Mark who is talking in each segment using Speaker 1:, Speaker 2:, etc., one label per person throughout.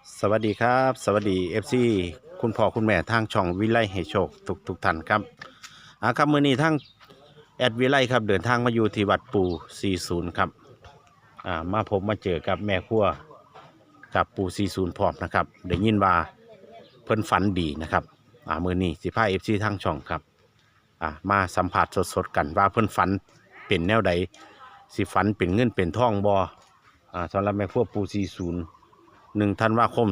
Speaker 1: สวัสดีครับสวัสดีFC คุณพ่อคุณแม่ทางช่องวิไลให้โชคทุกท่านครับครับมื้อนี้ทางแอดวิไลครับเดินทางมาอยู่ที่วัดปู่40ครับมาพบมาเจอกับแม่ครัวกับปู่40พร้อมนะครับได้ยินว่าเพิ่นฝันดีนะครับมื้อนี้สิพา FC ทางช่องครับมาสัมผัสสดๆกันว่าเพิ่นฝันเป็นแนวใดสิฝันเป็นเงินเป็นทองบ่สำหรับแม่ครัวปู่40 1 ธันวาคม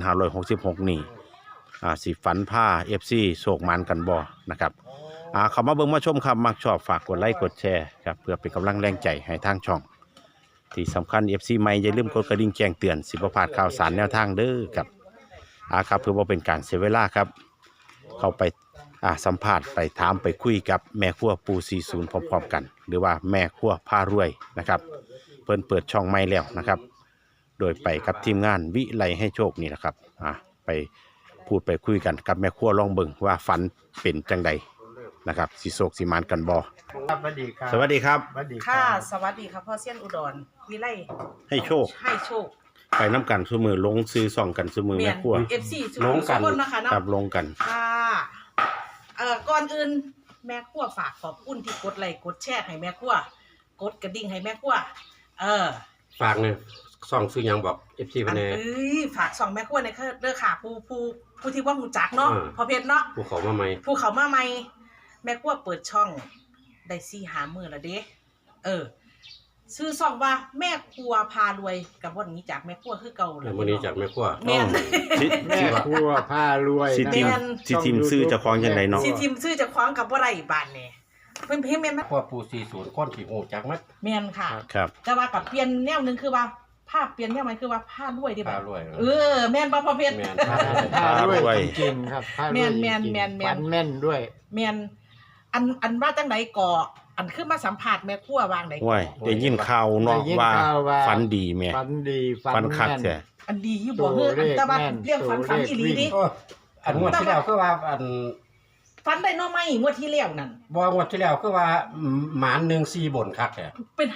Speaker 1: 2566นี่สิฝันผ้า FC โศกมันกันบ่นะครับเข้ามาเบิ่งมาชมครับมักชอบฝากกดไลค์กดแชร์ครับเพื่อเป็นกำลังแรงใจให้ทางช่องที่สำคัญ FC ใหม่อย่าลืมกดกระดิ่งแจ้งเตือนสิบ่พลาดข่าวสารแนวทางเด้อครับครับเพื่อบ่เป็นการเสียเวลาครับเข้าไปสัมภาษณ์ไปถามไปคุยกับแม่ครัวปู่40พร้อมๆกันหรือว่าแม่ครัวพารวยนะครับเพิ่นเปิดช่องใหม่แล้วนะครับโดยไปกับทีมงานวิไลให้โชคนี่แหละครับไปพูดไปคุยกันกับแม่ครัวลองเบิ่งว่าฝันเป็นจังใดนะครับสิโศกสิมานกันบ่
Speaker 2: ครับสวัสดีครับ
Speaker 1: สวัสดีครับ
Speaker 2: สวัสดี
Speaker 3: ค่ะสวัสดีครับพ่อเซียนอุดรวิไล
Speaker 1: ให้โชค
Speaker 3: ให้โชค
Speaker 1: ไปน้ำกันซุมือลงซื้อส่องกันซุมือแม่ครัว
Speaker 3: FC
Speaker 1: ลงกัน
Speaker 3: คนนะคะเนาะ
Speaker 1: ครับลงกัน
Speaker 3: ค่ะก่อนอื่นแม่ครัวฝากขอบคุณที่กดไลค์กดแชร์ให้แม่ครัวกดกระดิ่งให้แม่ครัว
Speaker 2: ฝากเนี่ยส่องซื้อยังบอกFC
Speaker 3: อั
Speaker 2: เพิ่นแน่
Speaker 3: ฝาก2แม่ครัวในเด้อค่ะผู้ที่ว่าฮู้จักเนาะพอเพชรเนาะ
Speaker 2: ผู้เขามาใหม่
Speaker 3: ผู้เขามาใหม่แม่ครัวเปิดช่องได้4-5มื้อแล้วเด้ชื่อช่องว่าแม่ครัวพารวยกับวันนี้จากแม่ครัวคือเก่าเลย
Speaker 2: มื้อนี้จากแม่ครัว
Speaker 3: แม่น
Speaker 4: แม่ครัวผ้ารวย
Speaker 1: สิทีมซื้อจะคล้องจังไดเนาะ
Speaker 3: สิทีมซื้อจะคว้างกับบ่ได้บ้านนี่เพิ่นแม่นมั้ย
Speaker 2: ครัวปู่40คนที่ฮู้จักมั้ย
Speaker 3: แม่นค่ะ
Speaker 1: ครับ
Speaker 3: แต่ว่ากับเปลี่ยนแนวนึงคือว่าภาพเปลี่ยนแนวใหม่คือว่าผ้ารวยดิบัด
Speaker 2: พารวย
Speaker 3: แม่นบ่พ่อเพชร
Speaker 2: แม่น
Speaker 4: ผ้ารวยจริงๆครับผ้ารวย
Speaker 3: แม่น
Speaker 4: ฝันแม่นด้วย
Speaker 3: แม่นอันว่าจังได๋ก่ออันคือมาสัมภาษณ์แม่ครัววางได๋
Speaker 1: ว้ยได้ยินข่าวเนาะว่าฝันดีแม่
Speaker 4: ฝันดี
Speaker 1: ฝันคักแท้
Speaker 3: อันดีอยู่บ่เฮ้ออันแต่ว่าเรื่องฝันอีหลีดิ
Speaker 2: อันงวดที่แล้วคือว่าอัน
Speaker 3: ฝันได้เนาะไหมงวดที่แล้วนั่น
Speaker 2: บ่งวดที่แล้วคือว่าหมาน14บนคักแท้
Speaker 3: เป็น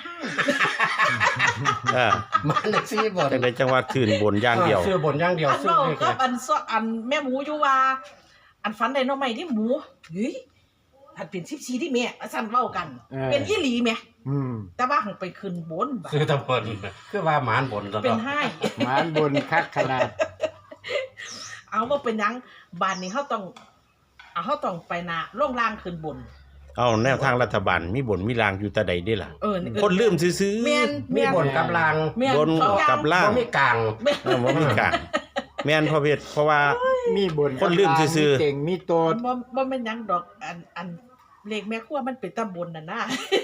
Speaker 2: หมาน14บน
Speaker 1: จังได๋จังว่าคืนบนอย่างเดียว
Speaker 2: ซื้อบนอย่างเดียวซื้อเลข
Speaker 3: กับอันแม่หมูอยู่ว่าอันฝันได้เนาะไหมที่หมูเฮ้ยถ้าเป็น14ที่แม่ซั่นเว้ากันเป็นอีหลีแม่แต่ว่าหังไปขึ้นบน
Speaker 2: ซื้อตะบนคือว่าหมานบนซะ
Speaker 3: เป็นให้
Speaker 4: หมานบนคักขนาด
Speaker 3: เอาว่าเป็นหยังบ้านนี้เฮาต้องไปนาลงล่างขึ้นบน
Speaker 1: เอาแนวทางรัฐบาลมีบนมีรางอยู่แต่ใดได้ล่ะคนลืมซื้อ
Speaker 2: ๆมีบนกับราง
Speaker 1: บนกับล่าง
Speaker 2: บ่มีกลาง
Speaker 1: บ่มีกลางแม่นพ่อเพชรเพราะว่า
Speaker 4: มีบน
Speaker 1: คนลืมซื่อ
Speaker 4: ๆเก่งมีโตด
Speaker 3: บ่แม่นหยังดอกอันเลขแม่ครัวมันเป็นตำบลน่ะนะ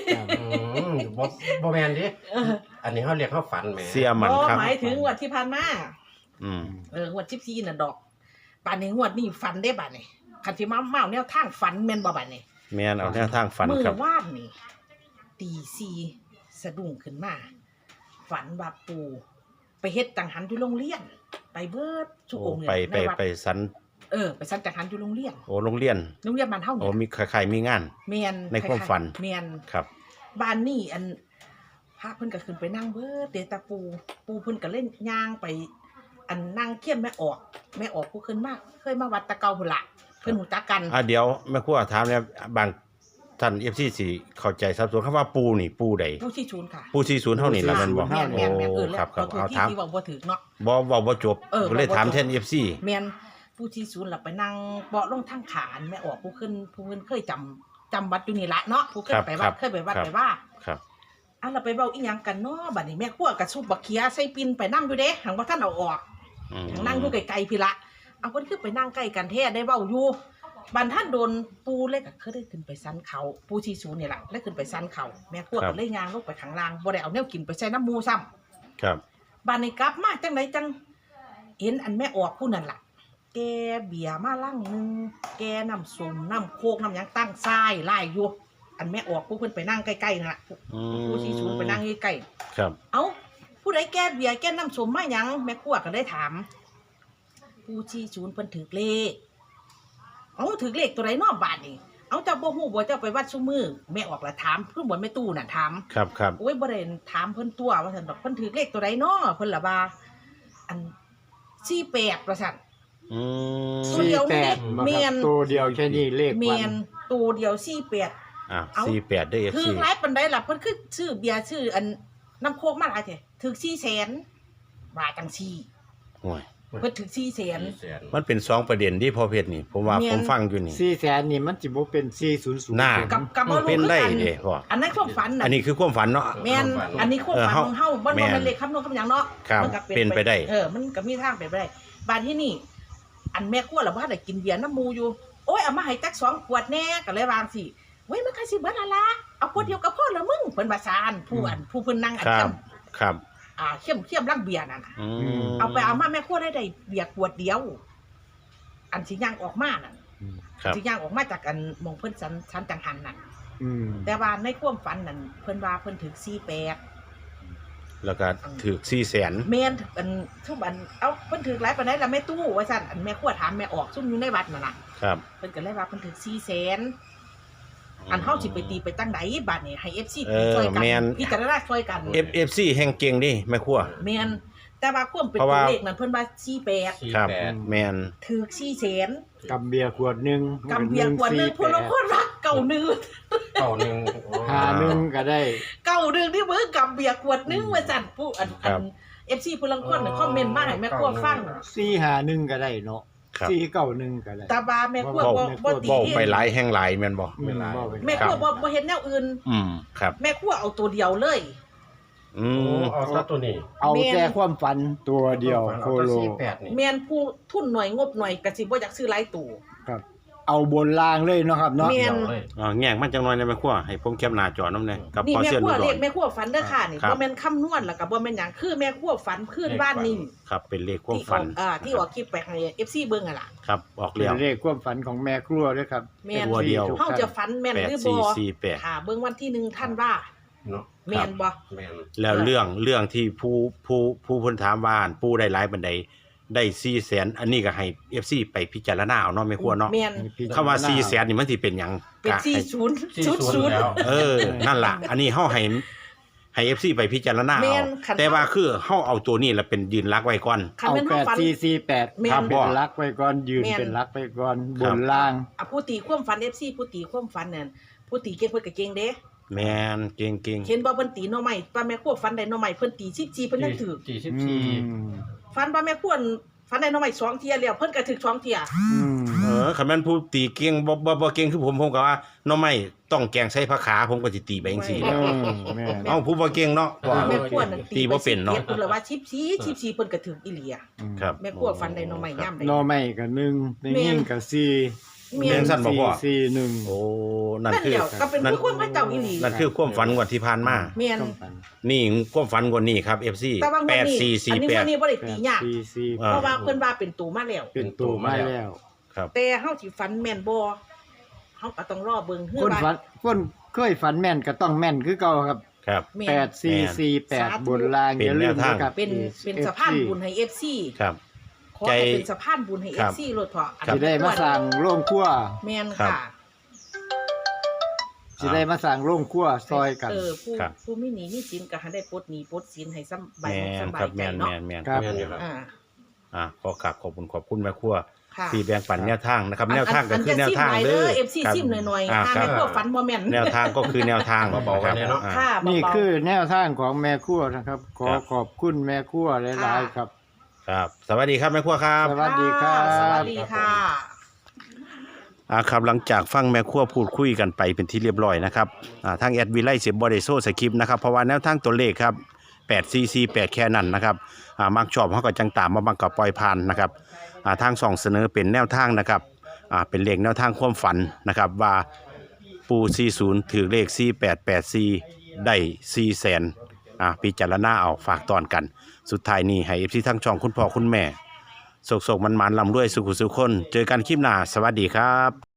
Speaker 2: บ่แม่นดิอันนี้เฮาเรียกเฮาฝันแหม
Speaker 1: เสียมันครับ
Speaker 3: หมายถึงงวดที่ผ่านมางวด14น่ะดอกบัดนี้งวดนี้ฝันได้บัดนี้คันสิมาแนวทางฝันแม่นบ่บัดนี้
Speaker 1: แม่นเอาแนวทางฝันครับ
Speaker 3: มื้อวานนี่ตี4สะดุ้งขึ้นมาฝันว่าปู่ไปเฮ็ดจังหันอยู่โรงเรียนไปเบิดทุกองค์
Speaker 1: เนี่ยไปสัน
Speaker 3: ไปสันจังหันอยู่โรงเรียน
Speaker 1: โรงเรียน
Speaker 3: บ้านเฮา
Speaker 1: เนี่ยมีใครมีงาน
Speaker 3: แม่น
Speaker 1: ในความฝัน
Speaker 3: แม่น
Speaker 1: ครับ
Speaker 3: บ้านนี้อันพระเพิ่นก็ขึ้นไปนั่งเบิดเดตาปูเพิ่นก็เล่นย่างไปอันนั่งเคียมแม่ออกผู้ขึ้นมากเคยมาวัดตะเกาพุ่นล่ะเพิ่นฮู้จักกัน
Speaker 1: เดี๋ยวแม่ครัวถามเนี่ยบางท่าน FC สิเข้าใจสับสนคำว่าปูนี่ปูใด
Speaker 3: ปูที่ศูนย์ค่ะ
Speaker 1: ปูที่ศูนย์เฮานี่ล่ะแม่นบ่
Speaker 3: แม่น
Speaker 1: ครับเอาถาม
Speaker 3: ที่บ่ถึกเนาะ
Speaker 1: บ่จบก็เลยถามแทน FC
Speaker 3: แม่นปูที่ศูนย์ล่ะไปนั่งเบาะลงทางขานแม่ออกผู้ขึ้นเคยจำวัดอยู่นี่ละเนาะผู้ขึ้นไปวัดเคยไปวัดไปว่า
Speaker 1: ครับ
Speaker 3: เราไปเว้าอีหยังกันเนาะบัดนี้แม่ครัวก็ซุบบักเขียใส่ปิ่นไปนำอยู่เด้หังบ่ทันเอาออกหังนั่งอยู่ไกลๆพี่ละเอาเพิ่นคือไปนั่งใกล้กันแท้ได้เว้าอยู่บัดท่านโดนปูเลยก็เคยได้ขึ้นไปซันเขาปูที่ศูนย์นี่ล่ะได้ขึ้นไปซันเขาแม่ครัวก็เลยย่างลงไปข้างล่างบ่ได้เอาแนวกินไปใส่น้ำหมูซ้ำ
Speaker 1: ครับ
Speaker 3: บัดนี้กลับมาจังไดจังเห็นอันแม่ออกผู้นั่นล่ะแกเบียร์มาลังนึงแกน้ำส้มน้ำโคกน้ำหยังตั้งทรายไล่อยู่อันแม่ออกผู้เพิ่นไปนั่งใกล้ๆนั่นล่ะผู้ที่ศูนย์ไปนั่งใกล้
Speaker 1: ๆครับ
Speaker 3: เอ้าผู้ใดแกเบียร์แกน้ำส้มมาหยังแม่ครัวก็ได้ถามผู้ที่ศูนย์เพิ่นถือเลขถือเลขตัวใดน้อบาทนี่เจ้าบ่ฮู้บ่เจ้าไปวัดซุมื้อแม่ออกละถามเพิ่นบ่แม่ตู้น่ะถาม
Speaker 1: ครับ
Speaker 3: โอ้ยบ่ได้ถามเพิ่นตัวว่าซั่นดอกเพิ่นถือเลขตัวใดน้อเพิ่นล่ะว่าอัน 48ว่าซั่น
Speaker 1: อืม
Speaker 3: ตัวเดียวนี่
Speaker 4: 48
Speaker 3: เมียน
Speaker 4: ตัวเดียวแค่นี้เลข
Speaker 3: เมี
Speaker 4: วั
Speaker 3: ยน
Speaker 4: น
Speaker 3: ตัวเดียว48
Speaker 1: อ่ะ
Speaker 3: เอา
Speaker 1: 48ได้
Speaker 3: ถื
Speaker 1: FC
Speaker 3: อหลายปานใดล่ะเพิ่นคือชื่อเบียร์ชื่ออันน้ำโคกมาหลายแท้ถึก400,000ว่าจังซี่
Speaker 1: โอ้ย
Speaker 3: เพิ่นถึก400,000
Speaker 2: 400,000
Speaker 1: มันเป็น2ประเด็นที่พอเพชรนี่ผมว่า
Speaker 3: แม่น
Speaker 1: ผมฟังอยู่นี่
Speaker 4: 400,000นี่มันสิบ่เป็น400
Speaker 1: น่า
Speaker 3: กับบ่รู้
Speaker 1: เป็น
Speaker 3: คือ
Speaker 1: ได้
Speaker 3: กัน
Speaker 1: เด้พ่อ
Speaker 3: อันนั้นความฝันน่ะ
Speaker 1: อันนี้คือความฝันเนาะ
Speaker 3: แม่นอันนี้ความฝันของเฮาบ่
Speaker 1: แม่น
Speaker 3: แม่นเลขคำนวณคำหยังเนาะ
Speaker 1: ครับ
Speaker 3: มัก็
Speaker 1: เป็นไปได้
Speaker 3: มันก็มีทางเป็นไปได้บานที่นี่ อันแม่ครัวล่ะบ่ทันได้กินเบียร์น้ำหมูอยู่โอ้ยเอามาให้จัก2ขวดแน่ก็เลยวางสิเว้ยมันก็สิเบิดละละเอาขวดเดียวก็พอแล้วมึงเพิ่นว่าซานผู้เพิ่นนั่งอัน
Speaker 1: ครั
Speaker 3: เข้
Speaker 1: บ
Speaker 3: ม
Speaker 1: ครับ
Speaker 3: เข้มลังเบียร์นั่นน่ะ
Speaker 1: อืม
Speaker 3: เอาไปเอามาแม่ครัวได้เบียร์ขวดเดียว อันสิย่างออกมานั่น
Speaker 1: ครับ
Speaker 3: สิย่างออกมาจากอันหมองเพิ่นสันจังหันนั่น
Speaker 4: อืม
Speaker 3: แต่ว่าในความฝันนั่นเพิ่นว่าเพิ่นถึง48
Speaker 1: แล้วก็ถือ400,000
Speaker 3: แม่นอันทุกอันเอาเพิ่นถึงหลายปานใดล่ะแม่ตู้ว่าซั่นอันแม่ครัวถามแม่ออกซุ่มอยู่ในวัดนั่นน่ะ
Speaker 1: ครับ
Speaker 3: เพิ่นก็เลยว่าเพิ่นถึง400,000อันเฮาสิไปตีไปจังไดบัดนี้ให้ FC
Speaker 1: เออ
Speaker 3: ช่วยกั
Speaker 1: แม่น
Speaker 3: พิจารณาช่วยกัน
Speaker 1: FC แห่งเก่งดิแม่ครัว
Speaker 3: แม่นแต่ว่าความเป็น
Speaker 1: เพราะ
Speaker 3: ตัว
Speaker 1: ว่า
Speaker 3: เลขนั้นเพิ่นว่า48
Speaker 1: ครับ
Speaker 2: 48
Speaker 1: แม่น
Speaker 3: ถึก400,000
Speaker 4: กับเบียร์ขวดหนึง
Speaker 3: กำเบียร์ขวดหนึงพวกเราคนรักเก่านึง
Speaker 2: เก้าหนึ่ง
Speaker 4: 51ก็ได้
Speaker 3: เก่านึงที่มื้อกำเบียร์ขวดหนึงว่าซั่นผู้อัน FC ผู้ลังคนน่ะคอมเมนต์มาให้แม่ครัวฟัง
Speaker 4: 451ก็ได้เนาะ
Speaker 1: ครับ
Speaker 4: 491ก็ได้
Speaker 3: แต่ว่าแม่ครัวบ่ตี
Speaker 1: เว้าไปหลายแห่งหลายแม่นบ่
Speaker 4: อืมบ่เป็น
Speaker 3: แม่ครัวบ่เห็นแนวอื่น
Speaker 1: ครับ
Speaker 3: แม่ครัวเอาตัวเดียวเลย
Speaker 1: อื
Speaker 2: โอ้
Speaker 1: ม
Speaker 2: เอาซะตัวนี้
Speaker 4: เอาแต่ความฝันตัวเดียวโคโล
Speaker 2: 48นี่
Speaker 3: แม่นผู้ทุนหน่อยงบหน่อยก็สิบ่อยากซื้อหลายตู้
Speaker 4: ครับ เอาบนล่างเลยเนาะครับเนาะ
Speaker 3: แม่
Speaker 2: เดียวเลย
Speaker 1: แง่งมันจังน้อยนะแม่ครัวให้ผมแคปหน้าจอน้ำแน่กับ
Speaker 3: นี่
Speaker 1: พอ
Speaker 3: แม่
Speaker 1: เสียน
Speaker 3: ครัว
Speaker 1: อุด
Speaker 3: เรีย
Speaker 1: ร
Speaker 3: กแม่ครัวฝันเด้อค่ะนี่
Speaker 1: ครับ
Speaker 3: บ่แม่นคำนวณแล้วก็บ่แม่นหยังคือแม่ครัวฝันคืนบ้านนิ่ม
Speaker 1: ครับเป็นเลขความ
Speaker 3: ที่อ
Speaker 1: ฝั
Speaker 3: อน กที่ออกคลิปไปให้ FC เบิ่งอ่ะล่ะ
Speaker 1: ครับออก
Speaker 4: เป็
Speaker 1: เลี้ย
Speaker 4: น
Speaker 1: ว
Speaker 4: เลขความฝันของแม่ครัวด้วยครับ
Speaker 3: แม่น
Speaker 1: ตัวเดียว
Speaker 3: เฮาจะฝันแม่นหรือบ่
Speaker 1: 8448
Speaker 3: ค่ะเบิ่งวันที่1ท่านว่า
Speaker 2: เนาะ
Speaker 3: แม่นบ่
Speaker 2: แม่น
Speaker 1: แล้วเรื่องที่ผู้เพิ่นถามว่าผู้ได้หลายบันไดได้400,000อันนี้ก็ให้ FC ไปพิจารณาเอาเนาะแม่ครัวเนาะ
Speaker 3: แม่น
Speaker 1: คำว่า400,000นี่มันสิเป็นหยัง
Speaker 3: เป็น
Speaker 1: ก็ให้
Speaker 3: 40
Speaker 2: แล้ว
Speaker 1: เออ นั่นล่ะ อันนี้เฮาให้ FC ไปพิจารณา
Speaker 3: แม่
Speaker 1: เอา
Speaker 3: นคัน
Speaker 1: แต่ว่าคือเฮาเอาตัวนี้แล้วเป็นยืนรักไว้ก่อน
Speaker 3: คัน
Speaker 4: เอา
Speaker 3: แม่นเฮาฝัน
Speaker 4: 8448
Speaker 3: แม่น
Speaker 4: ครับเป็นลักไว้ก่อนยืน
Speaker 3: แม่น
Speaker 4: เป็นลักไว้ก่อน
Speaker 1: ครับ
Speaker 4: บนล่าง
Speaker 3: ผู้ตีความฝัน FC ผู้ตีความฝันนั่นผู้ตีเก่งเพิ่นก็เก่งเด้
Speaker 1: แม่นเก่ง
Speaker 3: เห็นบ่เพิ่นตีหน่อไม้ป้าแม่ครัวฝันได้หน่อไม้เพิ่นตี14เพิ่นยังถือ
Speaker 4: อื
Speaker 2: 44
Speaker 4: ม
Speaker 3: ฝันป้าแม่ครัวฝันได้หน่อไม้2เที่ยแล้วเพิ่นก็ถือ2เที่ย
Speaker 4: อืม
Speaker 1: คันแม่นผู้ตีเก่งบ่เก่งคือผมก็ว่าหน้อไม้ต้องแกงใส่ผักขาผมก็สิตีไปจังซี่
Speaker 4: เออแม่น
Speaker 1: เอ้าผู้บ่เก่งเนาะว่า
Speaker 3: แม่ครัวนั่น
Speaker 1: ตีบ่เป็นเนาะ
Speaker 3: เพิ่นเลยว่า14เพิ่นก็ถืออีหลีอะ
Speaker 1: ครับ
Speaker 3: แม่ครัวฝันได้หน่อไม้ย่ํได้
Speaker 4: หนอไม่กับหนึ่งในยิ่งกับสี่
Speaker 3: แม่
Speaker 1: แม่
Speaker 3: น
Speaker 1: นสั่นบ่พ่อ
Speaker 4: สี่หนึ่ง
Speaker 1: โอ้นั่น
Speaker 3: นั่น
Speaker 1: คือ
Speaker 3: เดียวก็เป็นผู้คนพระเจ้าอีหลี
Speaker 1: นั่นคือความฝันงวดที่ผ่านมา
Speaker 3: แม่น
Speaker 4: ต้องฝัน
Speaker 1: นี่ความฝันงวดนี้ครับ FC
Speaker 3: แต่ว่างวดนี้อันนี้งวดนี้บ่ได้ตียาก
Speaker 4: สี่
Speaker 1: อ่า
Speaker 3: เพราะว่าเพิ่นว่าเป็นตัวมาแล้ว
Speaker 4: เป็นตัวมาแล้ว
Speaker 1: ครับ
Speaker 3: แต่เฮาสิฝันแม่นบ่เฮาก็ต้องรอเบิ่งคือ
Speaker 4: คน
Speaker 3: ว่า
Speaker 4: ฝันคนเคยฝันแม่นก็ต้องแม่นคือเก่าครับ
Speaker 1: ครับ
Speaker 3: แม่
Speaker 4: แป
Speaker 3: น
Speaker 4: ดสี่สี่แปด
Speaker 3: สาธุ
Speaker 4: บนล่าง
Speaker 1: เป็น
Speaker 4: อย่าลืม
Speaker 1: แนวทาง
Speaker 4: นะครับ
Speaker 3: เป็นสะพานบุญให้ FC
Speaker 1: ครับ
Speaker 3: ขอให้เป็นสะพานบุญให้
Speaker 1: ครับ
Speaker 3: FC โลดเถาะอัน
Speaker 1: ครับ
Speaker 4: สิได้มาสั่งโรงครัว
Speaker 3: แม่น
Speaker 1: ครับ
Speaker 3: ค่ะ
Speaker 4: สิได้มาสั่งโรงครัวซอยกัน
Speaker 3: ผู้
Speaker 1: ครับ
Speaker 3: ผู้มีหนี้มีสินก็ให้ได้ปลดหนี้ปลดสินให้สำบาย
Speaker 1: แม่
Speaker 3: อก
Speaker 1: น
Speaker 3: สำบา
Speaker 1: ครั
Speaker 3: ย
Speaker 1: บ
Speaker 3: ใจ
Speaker 1: แม่น
Speaker 3: เนาะ
Speaker 1: แม่น
Speaker 4: ครับ
Speaker 2: แม่นอยู่ครับ
Speaker 3: อ่า
Speaker 1: ขอบคุณแม่ครัว
Speaker 3: ค่ะ
Speaker 1: ที่แบ่งปันแนวทางนะครับ แนวทางก็คือแนวทาง
Speaker 3: อัน
Speaker 1: เด้
Speaker 3: จะ
Speaker 1: อ
Speaker 3: ซิมหน่อยเด้อ FC
Speaker 1: ครับ
Speaker 3: ซิมหน่อยๆ
Speaker 1: อ่า
Speaker 3: ถ้า
Speaker 1: ครั
Speaker 3: แม่
Speaker 1: บ
Speaker 3: พวกฝันบ่แม่น
Speaker 1: แนวทางก็คือแนวทาง
Speaker 2: เบาๆไว้เนี่ยเนาะ
Speaker 1: อ่
Speaker 3: ค่ะ
Speaker 4: นี่
Speaker 3: เบาๆ
Speaker 4: คือแนวทางของแม่ครัวนะครับ ขอ
Speaker 1: ครับ
Speaker 4: ขอบคุณแม่ครัวหลายๆครับ
Speaker 1: ครับ สวัสดีครับแม่ครัวครับ
Speaker 4: สวัสดีครับ
Speaker 3: สวัสดีค่ะ
Speaker 1: ครับหลังจากฟังแม่ครัวพูดคุยกันไปเป็นที่เรียบร้อยนะครับทางแอดวิไลเสียบอดโซสคริปต์นะครับเพราะว่าแนวทางตัวเลขครับ844 8แค่นั้นนะครับมักชอบเขาก็จังตามมาบังกับปล่อยผ่านนะครับทางส่องเสนอเป็นแนวทางนะครับเป็นเลขแนวทางความฝันนะครับว่าปู40ถือเลข4884ได้400,000พิจารณาเอาฝากตอนกันสุดท้ายนี้ให้ FC ทั้งช่องคุณพ่อคุณแม่โศกมันลำด้วยสุขุสุขคนเจอกันคลิปหน้าสวัสดีครับ